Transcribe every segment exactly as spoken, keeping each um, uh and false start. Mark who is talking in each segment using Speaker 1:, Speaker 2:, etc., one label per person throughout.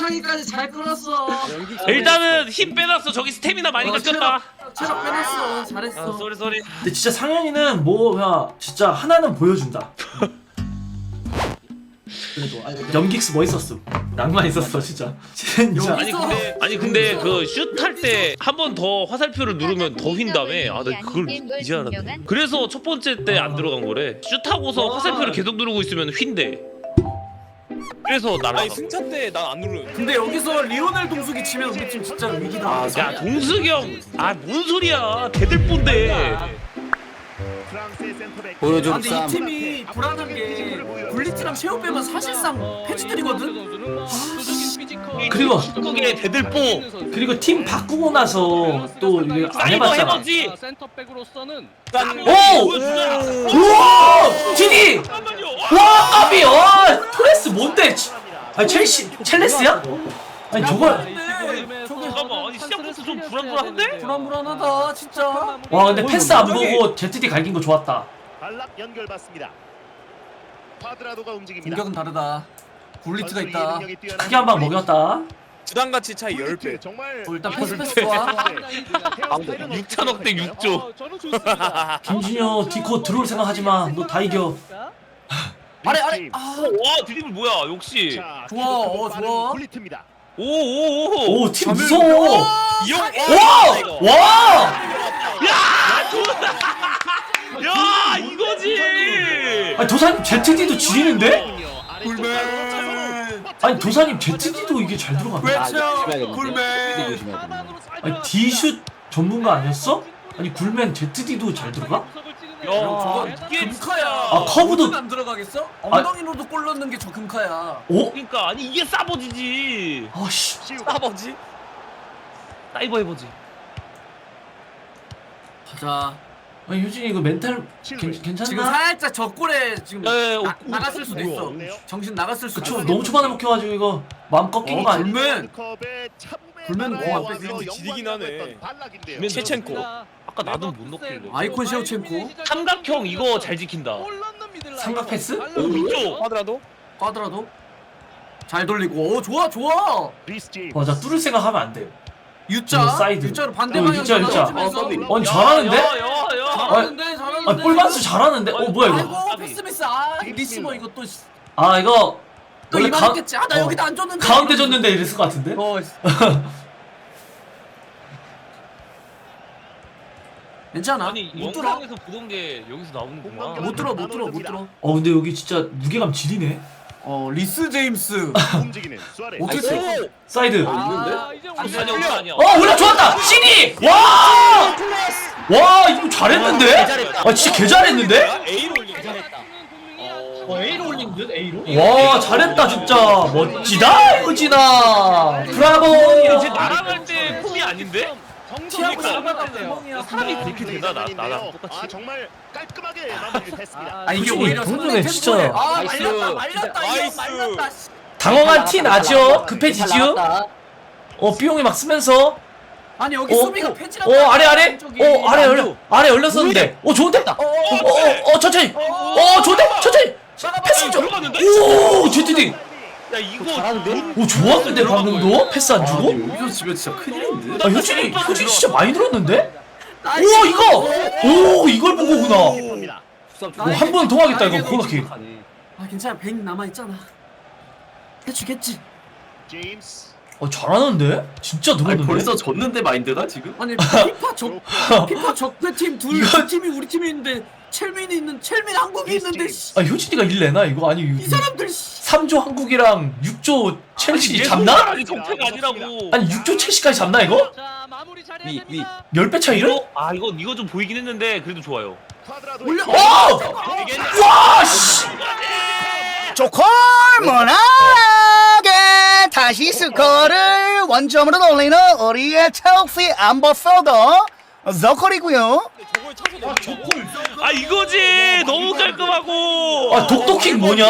Speaker 1: 마지막에까지 잘 끌었어.
Speaker 2: 일단은 힘 빼놨어. 저기 스태미나 많이
Speaker 1: 어,
Speaker 2: 깎였다.
Speaker 1: 체력 빼놨어. 잘했어.
Speaker 2: 아 쏘리 쏘리.
Speaker 3: 근데 진짜 상현이는 뭐야 진짜 하나는 보여준다.
Speaker 1: 그래도 아니,
Speaker 3: 연기스 멋있었음. 낭만 있었어 진짜. 진짜.
Speaker 2: 아니 근데 아니 근데 그 슛 할 때 한 번 더 화살표를 누르면 더 휜다며. 아, 나 그걸 이제 알았네. 그래서 첫 번째 때 안 들어간 거래. 슛 하고서 화살표를 계속 누르고 있으면 휜대. 그래서 날아가.
Speaker 4: 아니 승차 때 난 안 누르.
Speaker 1: 근데 여기서 리오넬 동숙이 치면 우리 팀 진짜 위기다.
Speaker 2: 야 동숙이 형, 아 뭔 소리야? 대들본데.
Speaker 5: 보여줘.
Speaker 1: 아, 근데 이 팀이 불안한 게 굴리트랑 셰오 빼면 사실상 패치들이거든.
Speaker 3: 그리고
Speaker 2: 축구계 대들보.
Speaker 3: 그리고 팀 바꾸고 나서 또 이게 안
Speaker 2: 사이버
Speaker 3: 해봤잖아.
Speaker 2: 해보지.
Speaker 6: 센터백으로서는
Speaker 3: 오! 우와! 디디!
Speaker 2: 잠깐만요.
Speaker 3: 와 까비! 와 토레스 뭔데? 아니 첼시 첼레스야? 아니 저걸
Speaker 2: 잠깐만, 아니 시작부터 좀 불안불안한데?
Speaker 1: 불안불안하다 진짜.
Speaker 3: 와 근데 패스 안 보고 제트디 갈긴 거 좋았다.
Speaker 7: 발락 연결 받습니다. 파드라도가 움직입니다.
Speaker 1: 공격은 다르다. 굴리트가 있다.
Speaker 3: 크게 한 방 먹였다.
Speaker 4: 주당 가치 차이 십 배.
Speaker 7: 정말
Speaker 1: 어, 일단 패스 패스와
Speaker 2: 육천억 대 육조.
Speaker 6: 저는 좋습니다.
Speaker 3: 김준혁 디코 들어올 생각하지 마. 너 다 이겨.
Speaker 1: 아래 아래. 아
Speaker 2: 와 드리블 뭐야? 역시.
Speaker 7: 자,
Speaker 1: 좋아, 어, 좋아.
Speaker 7: 굴리트입니다.
Speaker 2: 오오오.
Speaker 3: 오 팀 무서워.
Speaker 4: 이형
Speaker 3: 와! 와!
Speaker 2: 야 좋다. 야 이거지.
Speaker 3: 아니 도사님 제트디도 지리는데?
Speaker 7: 굴맨.
Speaker 3: 아니 도사님 제트디도 이게 잘 들어간다.
Speaker 1: 외쳐 굴맨.
Speaker 3: 아니 디슛 전문가 아니었어? 아니 굴맨 제트디도 잘 들어가?
Speaker 2: 야
Speaker 1: 저건
Speaker 2: 이게
Speaker 1: 금카야.
Speaker 3: 아, 커브도-
Speaker 1: 안 들어가겠어? 엉덩이로도 골 넣는 게 저 금카야.
Speaker 3: 오?
Speaker 2: 그러니까 아니 이게 싸버지지.
Speaker 3: 아씨.
Speaker 4: 아버지.
Speaker 2: 사이버 해보지.
Speaker 1: 가자.
Speaker 3: 아니 효진이 이거 멘탈 괜,
Speaker 1: 지금
Speaker 3: 괜찮나?
Speaker 1: 살짝 저 골에 지금
Speaker 2: 야, 야, 야,
Speaker 1: 나,
Speaker 2: 어,
Speaker 1: 나갔을 수도 있어.
Speaker 7: 뭐야?
Speaker 1: 정신 나갔을 수도
Speaker 3: 그쵸
Speaker 1: 있어.
Speaker 3: 너무 초반에 먹혀가지고 이거 마음 꺾인
Speaker 1: 어,
Speaker 3: 거 아니야?
Speaker 1: 굴맨. 굴맨
Speaker 7: 굴맨
Speaker 1: 뭐
Speaker 4: 앞에 지리긴 하네.
Speaker 7: 발락인데요.
Speaker 4: 셰첸코.
Speaker 2: 아까 나도 못 넣길래.
Speaker 1: 아이콘 셰우첸코.
Speaker 2: 삼각형 이거 잘 지킨다.
Speaker 3: 삼각 패스?
Speaker 2: 오 위쪽.
Speaker 4: 하더라도
Speaker 1: 꽈드라도 잘 돌리고. 오 좋아 좋아.
Speaker 3: 맞아 뚫을 생각하면 안 돼요.
Speaker 1: U자.
Speaker 3: 어, 사이드.
Speaker 1: U자로 반대
Speaker 3: 어,
Speaker 1: 방향.
Speaker 3: U자, U자.
Speaker 1: 어,
Speaker 3: 아니 잘하는데?
Speaker 2: 야야야.
Speaker 1: 잘하는데 잘하는데.
Speaker 3: 아니 볼만스 잘하는데? 어 뭐야 이거?
Speaker 1: 아이고 패스 미스. 아 리시버 이거 또. 씨.
Speaker 3: 아 이거
Speaker 1: 또
Speaker 3: 원래 가,
Speaker 1: 이만했겠지. 아나
Speaker 3: 어,
Speaker 1: 여기다 안 줬는데.
Speaker 3: 가운데 줬는데 이랬을 것 같은데?
Speaker 1: 어. 괜찮아.
Speaker 2: 아니
Speaker 1: 못 들어.
Speaker 2: 영상에서 보던 게 여기서 나오는구나.
Speaker 1: 못 들어 못 들어 못 들어.
Speaker 3: 어 근데 여기 진짜 무게감 지리네.
Speaker 1: 어 리스 제임스.
Speaker 7: 움직이는 수아레스.
Speaker 1: 어떻게 돼?
Speaker 3: 사이드.
Speaker 1: 아,
Speaker 2: 아니 아니 아니야.
Speaker 3: 어 올라 좋았다. 시니. 와. 와 이거 잘했는데? 아 진짜 개 잘했는데?
Speaker 4: A로 올린
Speaker 6: 어, A로 올린 듯 A로?
Speaker 3: 와 잘했다 진짜 멋지다 효진아. 브라보.
Speaker 2: 이제 날아갈 때 폼이 아닌데?
Speaker 1: 티하고
Speaker 2: 그러니까.
Speaker 1: 사과가 구멍이야.
Speaker 2: 사람이 그렇게 되나 나 나랑 똑같이.
Speaker 7: 아 정말 깔끔하게 마무리를 했습니다.
Speaker 1: 아 이게
Speaker 3: 효진이
Speaker 1: 오히려
Speaker 3: 좀
Speaker 1: 상대
Speaker 3: 전에 진짜-
Speaker 1: 템포에- 아
Speaker 4: 나이스.
Speaker 1: 말렸다 말렸다 이거
Speaker 4: 나이스.
Speaker 1: 말렸다. 씨.
Speaker 3: 당황한 티 나죠? 급해지죠? 어 삐용이 막 쓰면서
Speaker 1: 아니 여기
Speaker 3: 어,
Speaker 1: 수비가
Speaker 3: 어,
Speaker 1: 패지랑
Speaker 3: 어 아래 아래
Speaker 1: 왼쪽이.
Speaker 3: 어 아래 열려 아래 열렸었는데 어 좋은데 어어 어, 천천히 어 좋은데 천천히 패스 좀
Speaker 2: 들어갔는데?
Speaker 3: 오 제트디
Speaker 2: 야 이거
Speaker 3: 오 좋았는데 방금도 패스 안 주고
Speaker 1: 여기서 집에 진짜 큰일인데.
Speaker 3: 아 효진이 효진이 진짜 많이 들었는데
Speaker 1: 나이스.
Speaker 3: 우와 이거 오 이걸 보고구나
Speaker 7: 봅니다.
Speaker 3: 한 번 더 하겠다 이거 코너킥
Speaker 1: 아 괜찮아 백 남아 있잖아. 해주겠지.
Speaker 7: 제임스.
Speaker 3: 어 잘하는데 진짜 들었는데
Speaker 5: 졌는데 마인드가 지금?
Speaker 1: 아니 피파 적 피파 적대팀 둘
Speaker 3: 이거-
Speaker 1: 두 팀이 우리 팀이 있는데 첼민이 있는 첼민 한국이 있는데 씨.
Speaker 3: 아 효진이가 일 내나 이거 아니
Speaker 1: 이 사람들 씨.
Speaker 3: 삼 조 한국이랑 육 조 첼시
Speaker 2: 얘
Speaker 3: 잡나?
Speaker 2: 손가락이 정체가 아니라고.
Speaker 3: 아니 육 조 첼시까지 잡나 이거?
Speaker 6: 자, 마무리 잘해야
Speaker 5: 위, 위.
Speaker 6: 됩니다.
Speaker 3: 열 배 차이를?
Speaker 2: 이거 아 이거 이거 좀 보이긴 했는데 그래도 좋아요.
Speaker 7: 쿼드라도
Speaker 1: 올려.
Speaker 3: 오! 와 씨!
Speaker 8: 조콜모나게 다시 스코어를 원점으로 돌리는 우리의 첼시 암버서더 저콜이고요.
Speaker 4: 저걸 쳐서 넣는
Speaker 2: 아 이거지 너무 깔끔하고.
Speaker 3: 아 독도킥 뭐냐?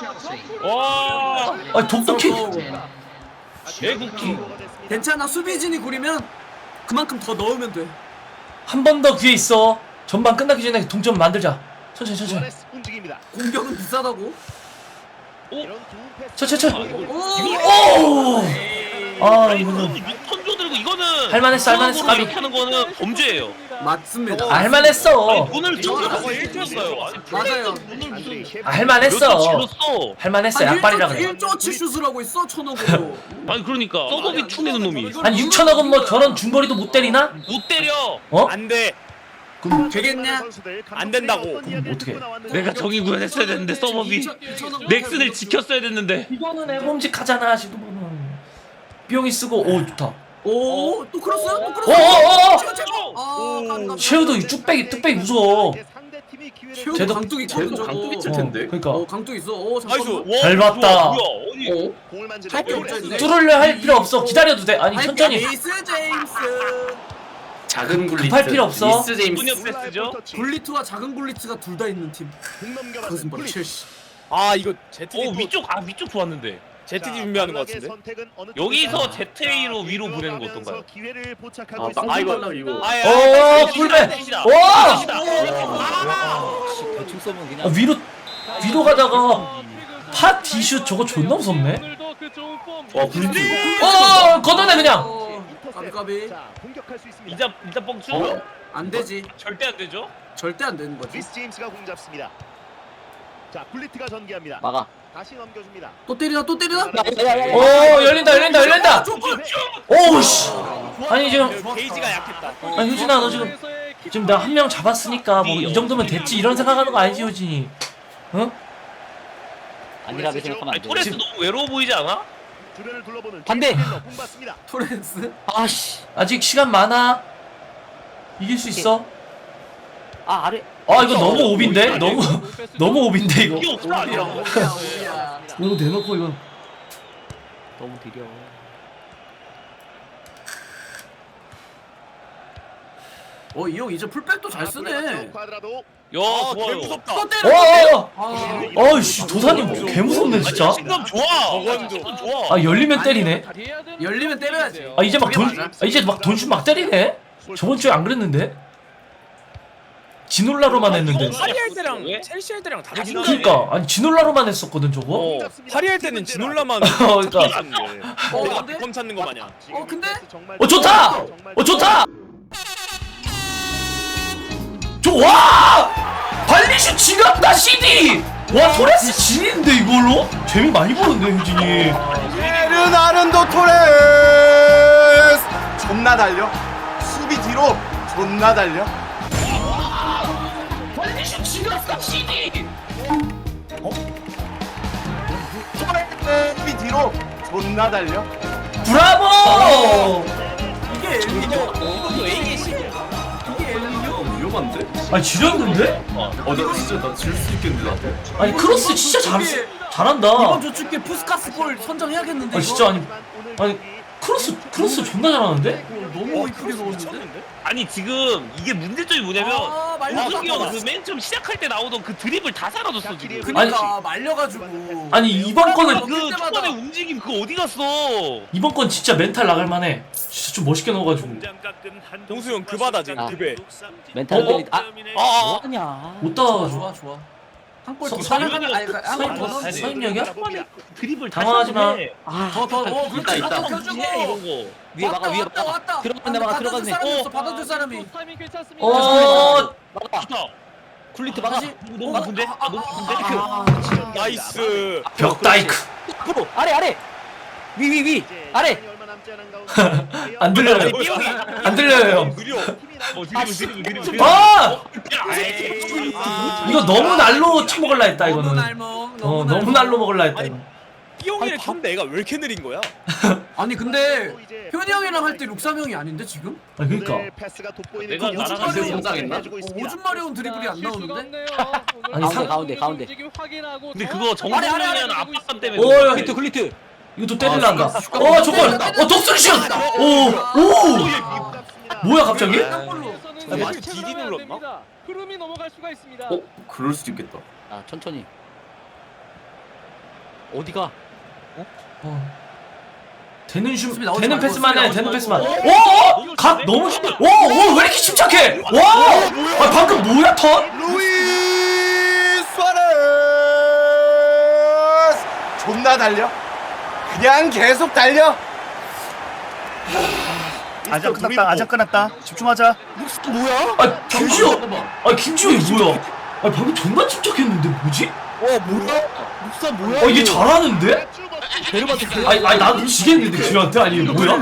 Speaker 2: 와
Speaker 3: 아 독도킥
Speaker 2: 애국킥.
Speaker 1: 괜찮아 수비진이 구리면 그만큼 더 넣으면 돼.
Speaker 3: 한 번 더 기회 있어. 전반 끝나기 전에 동점 만들자. 천천히 천천히.
Speaker 7: 수아레스 움직입니다.
Speaker 1: 공격은 비싸다고.
Speaker 3: 저, 저, 저.
Speaker 2: 아, 이거
Speaker 3: 오! 아, 이거는.
Speaker 2: 선조 들고 이거는
Speaker 3: 할만했어, 할만했어,
Speaker 2: 수학으로
Speaker 3: 까비.
Speaker 2: 이렇게 하는 거는 범죄예요.
Speaker 1: 맞습니다.
Speaker 3: 아, 할만했어.
Speaker 2: 돈을
Speaker 1: 저거
Speaker 2: 저거 일 조였어요.
Speaker 1: 맞아요.
Speaker 3: 아, 할만했어.
Speaker 2: 질렀어.
Speaker 3: 할만했어. 약발이라 그래.
Speaker 1: 일 조치 슛을 하고 있어 천억으로.
Speaker 2: 아니 그러니까 서버비 투내는 놈이
Speaker 3: 아니, 육천억은 뭐 저런 중거리도 못 때리나?
Speaker 2: 못 때려.
Speaker 3: 어?
Speaker 4: 안돼.
Speaker 1: 되겠냐?
Speaker 4: 안 된다고.
Speaker 3: 어떻게?
Speaker 2: 내가 정의 구현했어야 되는데 서버비 넥슨을 지켰어야 됐는데.
Speaker 3: 이거는 애범직하잖아, 지금. 비용이 쓰고, 오, 좋다.
Speaker 1: 오, 또 크로스? 또
Speaker 3: 오,
Speaker 1: 크로스?
Speaker 3: 오, 오, 오!
Speaker 1: 찍어, 찍어. 아, 깜깜.
Speaker 3: 쉐우도 이 뚝배기, 뚝배기 무서워.
Speaker 1: 쉐우
Speaker 3: 쟤도-
Speaker 1: 강뚝 있거든
Speaker 5: 쟤도
Speaker 1: 저거.
Speaker 5: 강뚝 있을 텐데.
Speaker 3: 어, 그러니까.
Speaker 1: 어, 강뚝 있어. 오,
Speaker 4: 나이스.
Speaker 1: 잠깐만.
Speaker 2: 와,
Speaker 3: 잘
Speaker 2: 좋아,
Speaker 3: 봤다.
Speaker 2: 뭐야? 아니,
Speaker 1: 어?
Speaker 7: 할게
Speaker 1: 없잖아.
Speaker 3: 뚫으려 할 필요 없어. 기다려도 돼. 아니, 천천히.
Speaker 1: 에이스 제임스.
Speaker 5: 작은 굴리트.
Speaker 3: 급할 필요 없어.
Speaker 5: 미스 제임스.
Speaker 2: 소녀 패스죠?
Speaker 1: 굴리트와 작은 굴리트가 둘 다 있는 팀. 그것은 바로 첼시.
Speaker 4: 아 이거 제트
Speaker 2: 어 위쪽 아 위쪽 좋았는데.
Speaker 4: 제트 준비하는 것 같은데.
Speaker 2: 여기서 제트에이로 위로 보내는 거 어떤가요?
Speaker 5: 아, 빵
Speaker 4: 아, 이거-
Speaker 5: 달라 이거.
Speaker 3: 오, 꿀배. 와!
Speaker 6: 대충 써면 그냥
Speaker 3: 아, 위로, 위로 가다가 파 디슛 저거 존나 무섭네.
Speaker 6: 오늘도 그 좋은 폼
Speaker 5: 와, 굴리트.
Speaker 3: 어, 걷어내, 그냥.
Speaker 1: 어, 까비 까비.
Speaker 7: 공격할 수 있습니다.
Speaker 2: 이자 이자 뻥주?
Speaker 5: 어?
Speaker 1: 안 되지.
Speaker 2: 절대 안 되죠?
Speaker 1: 절대 안 되는 거지.
Speaker 7: 리스 제임스가 공 잡습니다. 자, 굴리트가 전개합니다.
Speaker 6: 막아.
Speaker 7: 다시 넘겨줍니다.
Speaker 1: 또 때리나 또 때리나?
Speaker 3: 오, 열린다, 열린다, 열린다. 오우, 씨. 아니, 지금.
Speaker 4: 게이지가 약했다.
Speaker 3: 아니, 효진아, 너 지금. 지금 나 한 명 잡았으니까 뭐 이 정도면 됐지. 이런 생각하는 거 아니지, 효진이? 어?
Speaker 6: 아니라고 생각하면
Speaker 2: 아니
Speaker 6: 안 돼.
Speaker 2: 토레스 너무 외로워 보이지 않아?
Speaker 7: 주변을 둘러보는
Speaker 6: 반대!
Speaker 7: 공 받습니다.
Speaker 1: 토렌스.
Speaker 6: 아씨.
Speaker 3: 아직 시간 많아. 이길 수 있어.
Speaker 6: 아 아래.
Speaker 3: 아, 이거 너무 오빈데? 너무, 너무 오빈데, 이거.
Speaker 2: 이게 없어 아니야.
Speaker 1: 오야 오야.
Speaker 3: 이거 대놓고, 이건.
Speaker 6: 너무 느려.
Speaker 1: 어, 이 형 이제 풀백도 잘 쓰네.
Speaker 7: 쿼드라도.
Speaker 2: 야
Speaker 4: 아,
Speaker 2: 좋아요.
Speaker 4: 개무섭다.
Speaker 1: 또
Speaker 3: 어,
Speaker 1: 때려.
Speaker 3: 어, 어.
Speaker 1: 아,
Speaker 3: 어이씨, 도사님 개 무섭네, 진짜.
Speaker 2: 지금 좋아.
Speaker 4: 저건 좀-
Speaker 2: 지금 좋아.
Speaker 3: 아, 열리면 때리네.
Speaker 1: 열리면 때려야지.
Speaker 3: 아, 이제 막 돈,
Speaker 1: 맞아.
Speaker 3: 아, 이제 막 돈슛 막 때리네? 저번 주에 안 그랬는데? 지놀라로만 했는데.
Speaker 4: 파리 할 때랑
Speaker 2: 왜?
Speaker 4: 첼시 할 때랑 다르긴
Speaker 2: 자신감이-
Speaker 4: 하네.
Speaker 3: 그니까, 아니, 지놀라로만 했었거든, 저거?
Speaker 4: 어, 파리 할 때는 지놀라만
Speaker 3: 어, 그러니까.
Speaker 4: 찾는데.
Speaker 1: 어,
Speaker 4: 내가
Speaker 1: 근데?
Speaker 4: 껌 찾는 거 마냥.
Speaker 1: 어, 근데?
Speaker 3: 어, 좋다! 어, 좋다! 좋아! 발리슈 지갑다, 씨디! 와, 토레스 진인데, 이걸로? 재미 많이 보는데, 효진이.
Speaker 9: 베르나른도 토레스 존나 달려 수비 뒤로 존나 달려
Speaker 3: 발리슈 지갑다, 씨디!
Speaker 9: 토레스 수비 뒤로 존나 달려
Speaker 3: 브라보!
Speaker 1: 이게 엘리뇨.
Speaker 4: 이것도 에이에시.
Speaker 1: 이게 엘리뇨.
Speaker 5: 위험한데?
Speaker 3: 아니, 지렸는데?
Speaker 5: 어, 나 진짜 나 질 수 있겠는데 나한테.
Speaker 3: 아니, 크로스 진짜 잘, 잘한다.
Speaker 1: 이번 조축계 푸스카스 골 선정해야겠는데.
Speaker 3: 아,
Speaker 1: 이거?
Speaker 3: 진짜, 아니, 아니, 크로스, 크로스 존나 잘하는데?
Speaker 1: 너무 이쁘게 넣었는데.
Speaker 2: 아니 지금 이게 문제점이 뭐냐면
Speaker 1: 아, 말려.
Speaker 2: 우승이 형그맨 처음 시작할 때 나오던 그 드립을 다 사라졌어 지금.
Speaker 1: 그니까 말려가지고.
Speaker 3: 아니, 이번 거는,
Speaker 2: 그
Speaker 1: 때마다.
Speaker 2: 초반에 움직임 그거 어디 갔어?
Speaker 3: 이번 건 진짜 멘탈 나갈만해. 진짜 좀 멋있게 넣어가지고.
Speaker 4: 동수 형 그 바다 지금
Speaker 6: 아.
Speaker 4: 그 배.
Speaker 6: 멘탈
Speaker 3: 어?
Speaker 6: 들리. 아
Speaker 2: 아,
Speaker 6: 뭐하냐.
Speaker 3: 못 따가지고.
Speaker 1: 좋아 좋아. 한골
Speaker 3: 서-
Speaker 1: 더
Speaker 3: 서-
Speaker 1: 하나 아니
Speaker 3: 서-
Speaker 1: 한골 더
Speaker 3: 서-
Speaker 1: 넣어.
Speaker 3: 서인력이야?
Speaker 2: 드립을 다
Speaker 3: 당황하지 마.
Speaker 2: 해.
Speaker 6: 아
Speaker 1: 더더 어
Speaker 5: 있다, 있다.
Speaker 1: 그렇지.
Speaker 2: 해, 이런
Speaker 1: 펴주고.
Speaker 2: 거.
Speaker 6: 위에 막아 위에
Speaker 1: 왔다
Speaker 6: 막아.
Speaker 1: 왔다.
Speaker 6: 들어갔네 막아
Speaker 1: 받아줄
Speaker 6: 들어갔네.
Speaker 1: 사람이
Speaker 6: 어.
Speaker 1: 있어. 받아줄 사람이.
Speaker 6: 타이밍 괜찮습니다.
Speaker 3: 어,
Speaker 6: 막아.
Speaker 2: 좋다.
Speaker 6: 굴리트 막아.
Speaker 1: 다시.
Speaker 2: 너무 높은데? 아, 너무 높은데?
Speaker 6: 아,
Speaker 4: 나이스.
Speaker 3: 벽다이크.
Speaker 6: 앞으로 아래 아래. 위 위 위. 아래.
Speaker 3: 안 들려요.
Speaker 2: 아니, 삐용이.
Speaker 3: 안 들려요, 형.
Speaker 4: 느려.
Speaker 2: 어, 드립을 드립을 드립을 드립을.
Speaker 3: 아!
Speaker 2: 에이.
Speaker 3: 이거 너무 날로 처먹을라 했다,
Speaker 1: 너무
Speaker 3: 이거는.
Speaker 1: 날먹.
Speaker 3: 어, 너무 날로 먹을라 했다, 이거.
Speaker 4: 삐용이를 켰는데 애가 왜 이렇게 느린 거야?
Speaker 1: 아니 근데 효니 형이랑 할 때 룩삼 형이 아닌데 지금?
Speaker 3: 아, 그니까.
Speaker 2: 내가 나랑
Speaker 1: 오줌
Speaker 5: 같이
Speaker 1: 마려운
Speaker 5: 성장했나?
Speaker 1: 어, 오줌 마려운 드리블이 안 나오는데?
Speaker 3: 아니,
Speaker 6: 가운데
Speaker 3: 상-
Speaker 6: 가운데 가운데.
Speaker 2: 근데 그거 정국영이라는 압박감 때문에.
Speaker 3: 오,
Speaker 2: 그런
Speaker 3: 야,
Speaker 6: 굴리트 굴리트.
Speaker 3: 이것도 때릴란다. 어, 저걸. 어, 독수리 슛! 오, 오! 뭐야, 갑자기?
Speaker 1: 땅볼로.
Speaker 4: 아, 마치 디디 눌렀나?
Speaker 6: 흐름이 넘어갈 수가 있습니다.
Speaker 5: 어? 그럴 수도 있겠다.
Speaker 6: 아 천천히. 어디가?
Speaker 3: 어. 되는 슛,
Speaker 1: 수비 나오지
Speaker 3: 되는
Speaker 1: 말고,
Speaker 3: 패스만 해,
Speaker 1: 수비
Speaker 3: 되는
Speaker 1: 나오지
Speaker 3: 패스만.
Speaker 1: 말고.
Speaker 3: 오, 어? 각 너무, 쉽- 오, 오, 왜 이렇게 침착해? 와! 아, 방금 뭐야, 턴?
Speaker 9: 루이스 수아레스 존나 달려. 그냥 계속 달려.
Speaker 8: 아직 끝났다. 아직 끝났다. 집중하자.
Speaker 3: 뭐야? 아 김지호. 아 김지호 이거 뭐야? 아 방금 존나 침착했는데 뭐지?
Speaker 9: 어 뭐야? 묵사 뭐야?
Speaker 3: 아 이게 잘하는데?
Speaker 8: 데려봤어.
Speaker 3: 아니 아니 나도 지겠는데 지한테 아니 뭐야?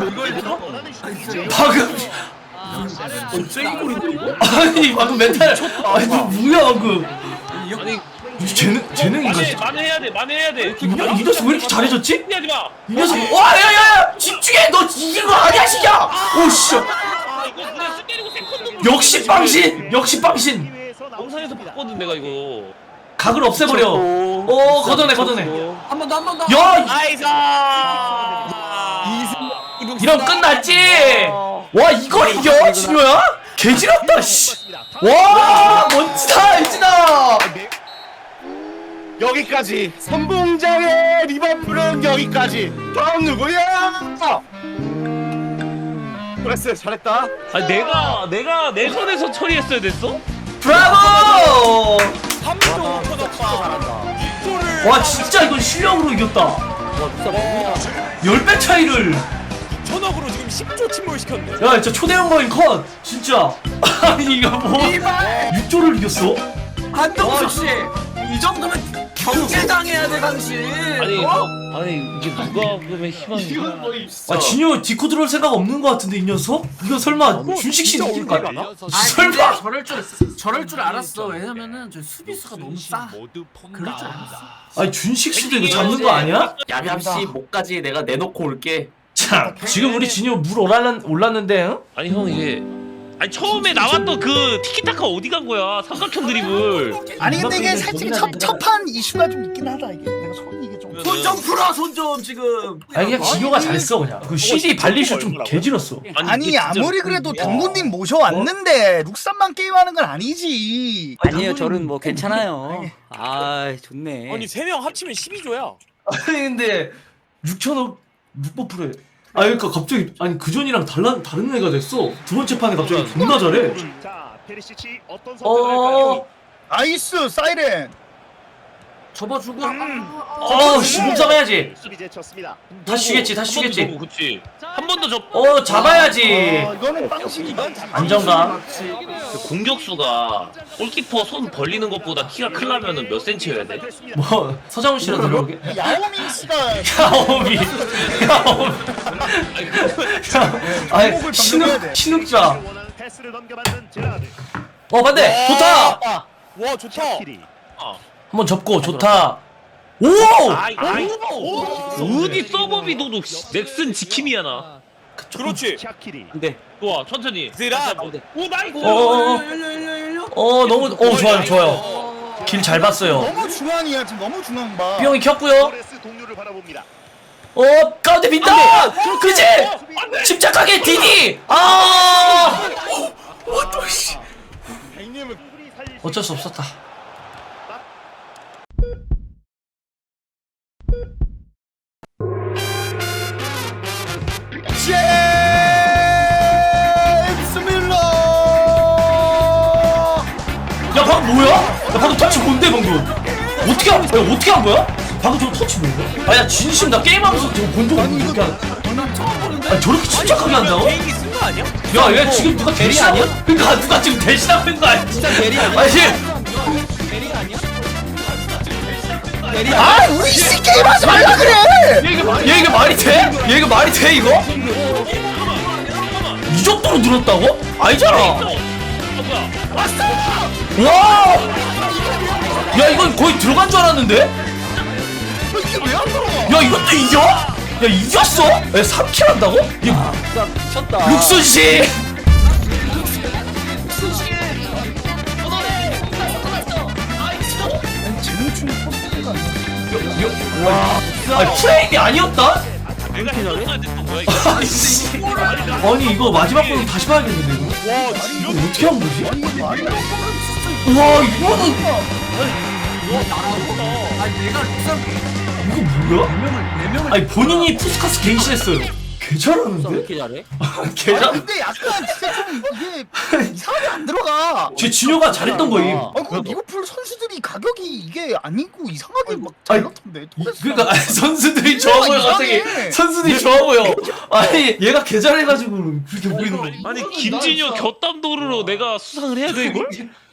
Speaker 3: 방금
Speaker 1: 쐐기골인데 이거?
Speaker 3: 아니 방금 멘탈 아니 너 뭐야 방금?
Speaker 2: 아니
Speaker 3: 재능 재능인가
Speaker 2: 만회
Speaker 3: 진짜?
Speaker 2: 만회해야 돼 만회해야 돼.
Speaker 3: 이 녀- 이 녀석 왜 이렇게 잘해졌지?
Speaker 2: 하지 마.
Speaker 3: 이 녀석 와야야야 집중해 너 이긴 거 아니야 시야? 오씨
Speaker 2: 아 이거 그냥 스 때리고 세컨드.
Speaker 3: 역시 빵신 역시 빵신
Speaker 2: 영상에서 봤거든 내가 이거.
Speaker 3: 각을 없애버려. 어 걷어내 걷어내.
Speaker 1: 한 번 더 한 번 더.
Speaker 3: 야
Speaker 4: 나이스.
Speaker 3: 이런 끝났지. 와 이걸 이겨 진효야? 개지렸다 씨. 와 멋지다 유진아.
Speaker 9: 여기까지. 선봉장의 리버풀은 여기까지. 다음 누구야? 그랬어 잘했다.
Speaker 2: 아 내가 내가 내 손에서 처리했어야 됐어?
Speaker 3: 브라보.
Speaker 4: 삼 점 오 퍼졌다. 이거를
Speaker 3: 와 진짜 이건 실력으로 이겼다. 열 배 차이를.
Speaker 4: 천억으로 지금 십 조 침몰시켰네.
Speaker 3: 야 진짜 초대형 거인 컷 진짜. 아니 이거 뭐 육 조를 이겼어?
Speaker 1: 한동숙 씨, 이 정도면 경제당해야 돼 당신.
Speaker 2: 아니
Speaker 1: 어?
Speaker 2: 뭐, 아니 이게 누가 그러면 희망이.
Speaker 3: 아 진효 디코 들어올 생각 없는 거 같은데 이 녀석? 이거 설마 준식 씨 느낌 같아?
Speaker 1: 아니 근데
Speaker 3: 설마?
Speaker 1: 저럴 줄 저럴 줄 알았어. 왜냐면은 저 수비수가 너무 싸. 그럴 줄 알았어.
Speaker 3: 아니 준식 씨도 이거 잡는 거 아니야?
Speaker 5: 야비합씨 목까지 내가 내놓고 올게.
Speaker 3: 참 지금 우리 진효 물 올랐는, 올랐는데 응?
Speaker 2: 아니 형 이게 아니 처음에 나왔던 그 티키타카 어디 간 거야? 삼각형 드리블.
Speaker 8: 아니 근데 이게 살짝 첫, 첫판 이슈가 좀 있긴 하다 이게. 내가 손이 이게 좀.
Speaker 1: 손 좀 풀어 손 좀 지금.
Speaker 3: 아니 그냥 진효가 잘했어 그냥 그 씨디 발리쇼 좀 개질었어.
Speaker 8: 아니
Speaker 2: 이게 진짜-
Speaker 8: 아무리 그래도 당구님 모셔왔는데 룩삼만 게임하는 건 아니지.
Speaker 6: 아니에요, 저는 뭐 괜찮아요. 아, 좋네.
Speaker 4: 아니 세 명 합치면 십이 조야.
Speaker 3: 아니 근데 육천억 육번 프로에 아니 그니까 갑자기 아니 그전이랑 달라, 다른 애가 됐어. 두 번째 판에 갑자기 존나 잘해.
Speaker 7: 자 페리시치 어떤 선택을 할까요?
Speaker 3: 어...
Speaker 8: 나이스 사이렌.
Speaker 1: 접어주고.
Speaker 3: 어우 씨 몸싸움 해야지.
Speaker 7: 수비 제쳤습니다.
Speaker 3: 다 쉬겠지 다 쉬겠지.
Speaker 2: 한 번 더 접고, 그치. 한 번 더 접고.
Speaker 3: 어 잡아야지.
Speaker 8: 어, 이거는 빵식이다.
Speaker 3: 안정감.
Speaker 2: 그 공격수가 골키퍼 손 벌리는 것보다 키가 크려면은 몇 센치여야 돼?
Speaker 3: 뭐 서장훈 씨랑 들어오게.
Speaker 8: 야오밍 씨가
Speaker 3: 야오미. 야오미. 야, 아니 신욱 신욱자.
Speaker 7: 원하는 패스를 넘겨받는 제라드.
Speaker 3: 어 반대 좋다.
Speaker 4: 와 좋다.
Speaker 7: 키리.
Speaker 3: 한번 접고 좋다. 오.
Speaker 2: 아이 아이 어디 서버비도도 넥슨 지킴이야 나.
Speaker 4: 그렇지.
Speaker 7: 샤키리.
Speaker 6: 근데
Speaker 2: 좋아 천천히.
Speaker 4: 드라.
Speaker 2: 오 나이스.
Speaker 3: 어, 어, 어.
Speaker 1: 열려 열려 열려.
Speaker 3: 어 너무 어 좋아요 좋아요. 길 잘 봤어요.
Speaker 8: 너무 중앙이야 지금 너무 중앙 봐.
Speaker 3: 삐용이 켰고요.
Speaker 7: 토레스 동료를 바라봅니다.
Speaker 3: 어 가운데 빈다. 그지? 침착하게 디디. 아. 어쩔 수 없었다.
Speaker 8: 제임스 밀러.
Speaker 3: 야 방금 뭐야? 야 방금 터치 뭔데 방금? 어떻게 한, 야, 어떻게 한 거야? 방금 저 터치 뭐야? 아야 진심 나 게임하면서 저거 본 적 없는데 이렇게 한. 아니 저렇게 침착하게 한다고?
Speaker 4: 개인기 쓴 거 아니야?
Speaker 3: 야 얘 지금 누가 대신 아니야? 그러니까 누가 지금 대신하고 있는 거 아니야? 진짜
Speaker 6: 대리 아니야?
Speaker 3: 아니
Speaker 6: 대리
Speaker 8: 아 우리 씨 게임하지 말라 그래.
Speaker 3: 얘 이게, 마- 얘 이게 말이 돼? 얘 이게 말이 돼 이거? 이 정도로 늘었다고? 아니잖아. 와! 야 이건 거의 들어간 줄 알았는데?
Speaker 8: 이게 왜 안 들어가?
Speaker 3: 야 이것도 이겨? 야 이겼어? 야 삼 킬 한다고? 이
Speaker 6: 미쳤다.
Speaker 3: 룩순 씨. 아 프레임이 아니었다?
Speaker 2: 내가 해줬어야 됐던 거야 이거.
Speaker 3: 아이씨. 아니 이거 마지막 부분 다시 봐야겠는데 이거?
Speaker 4: 와
Speaker 3: 이거
Speaker 4: 진짜.
Speaker 3: 어떻게 한 거지? 와 이거는
Speaker 1: 아니 내가 룩삼
Speaker 3: 이거 뭐야?
Speaker 1: 네 명을
Speaker 3: 아니 본인이 푸스카스 갱신했어요. 개 잘하는데?
Speaker 6: 이렇게 잘해?
Speaker 3: 개
Speaker 8: 아니
Speaker 3: 잘.
Speaker 8: 근데 약간 진짜 좀 이게 이상하게 안 들어가.
Speaker 3: 제 진효가 잘했던 거임.
Speaker 8: 아, 그 리버풀 선수들이 가격이 이게 아니고 이상하게 막
Speaker 3: 아니,
Speaker 8: 잘났던데.
Speaker 3: 이- 그러니까 아니, 선수들이 좋아 보여 갑자기.
Speaker 8: 이상해.
Speaker 3: 선수들이 좋아 보여. 아니 얘가 개 잘해가지고 그렇게 보이는 거.
Speaker 2: 아니 김진효 곁담 도루로 내가 수상을 해야 돼 이걸?